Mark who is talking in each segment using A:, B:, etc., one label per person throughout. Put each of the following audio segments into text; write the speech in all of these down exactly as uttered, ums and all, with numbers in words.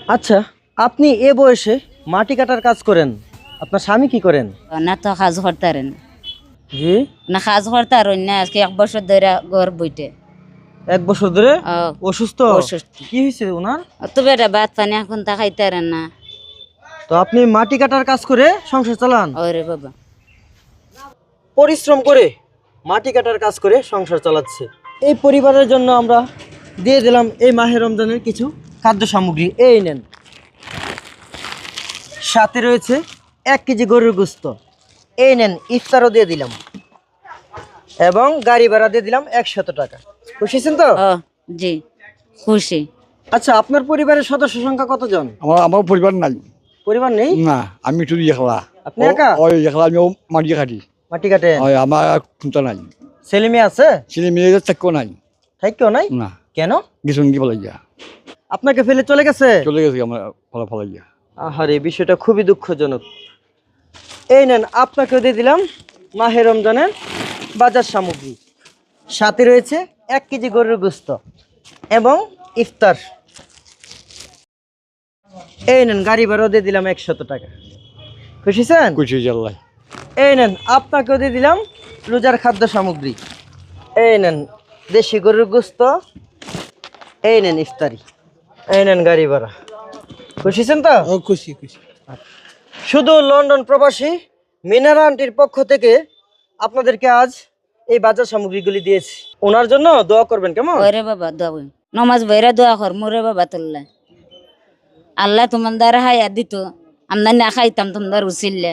A: আচ্ছা, আপনি এ বয়সে মাটি কাটার কাজ করেন, আপনার স্বামী কি করেন?
B: না তো কাজ করতারেন
A: জি।
B: না কাজ করতার না আজকে এক বছর ধরে ঘর বইটে
A: এক বছর ধরে
B: আহ,
A: অসুস্থ?
B: অসুস্থ।
A: কি হয়েছে ওনার?
B: তো বেটা ভাত পানি এখন তা খাইতারেন না।
A: তো আপনি মাটি কাটার কাজ করে সংসার চালান?
B: ওরে বাবা,
A: পরিশ্রম করে মাটি কাটার কাজ করে সংসার চালাচ্ছে। এই পরিবারের জন্য আমরা দিয়ে দিলাম এই মাহে রমজানের কিছু খাদ্য সামগ্রী। এই নেন, সাথে রয়েছে এক কেজি গরুর গোস্ত। এই নেন, ইফতারও দিয়ে দিলাম এবং গাড়ি ভাড়া দিয়ে দিলাম একশত টাকা। খুশি আছেন তো?
B: ও জি খুশি।
A: আচ্ছা, আপনার পরিবারের সদস্য সংখ্যা কতজন?
C: আমার আমার পরিবার নাই।
A: পরিবার নেই?
C: না, আমি শুধু একলা।
A: আপনি একা?
C: ওই একলা, আমি মাটি কাটি।
A: মাটি কাটেন?
C: ওই আমার খুঁটা নাই,
A: ছেলে মেয়ে আছে?
C: ছেলে মেয়েদের থাকতেও নাই।
A: তাই কেউ নাই?
C: না,
A: কেন?
C: গেছুন কি বলে গিয়া
A: আপনাকে ফেলে চলে গেছে?
C: চলে গেছে আমার ফলা ফলা গিয়া।
A: আহারে, বিষয়টা খুবই দুঃখজনক। এই নেন, আপনাকেও দিয়ে দিলাম মাহে রমজানের বাজার সামগ্রী। সাথে রয়েছে এক কেজি গরুর গোস্ত এবং ইফতার। এই নেন, গাড়ি ভাড়াও দিয়ে দিলাম একশত টাকা। খুশি আছেন?
C: খুশি জাল্লাই।
A: এই নেন, আপনাকেও দিয়ে দিলাম রোজার খাদ্য সামগ্রী। এই নেন দেশি গরুর গোস্ত, এই নেন ইফতারি, এই নেন গাড়ি ভাড়া। খুশি আছেন তো?
D: খুশি খুশি।
A: শুধু লন্ডন প্রবাসী মিনারা আন্টির পক্ষ থেকে আপনাদেরকে আজ এই বাজার সামগ্রীগুলি দিয়েছি। ওনার জন্য দোয়া করবেন, কেমন?
B: ওরে বাবা দোয়া নমাজ বইরা দোয়া কর মোরে বাবা তোল্লা আল্লাহ তোমার দ্বারা হায়া দিত আমরা না খাইতাম তোমার উচিল্লে।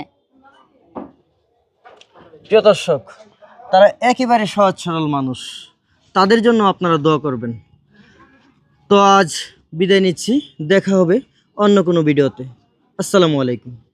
A: প্রিয় দর্শক, তারা একেবারে সহজ সরল মানুষ, তাদের জন্য আপনারা দোয়া করবেন। তো আজ বিদায় নিচ্ছি, দেখা হবে অন্য কোনো ভিডিওতে। আসসালামু আলাইকুম।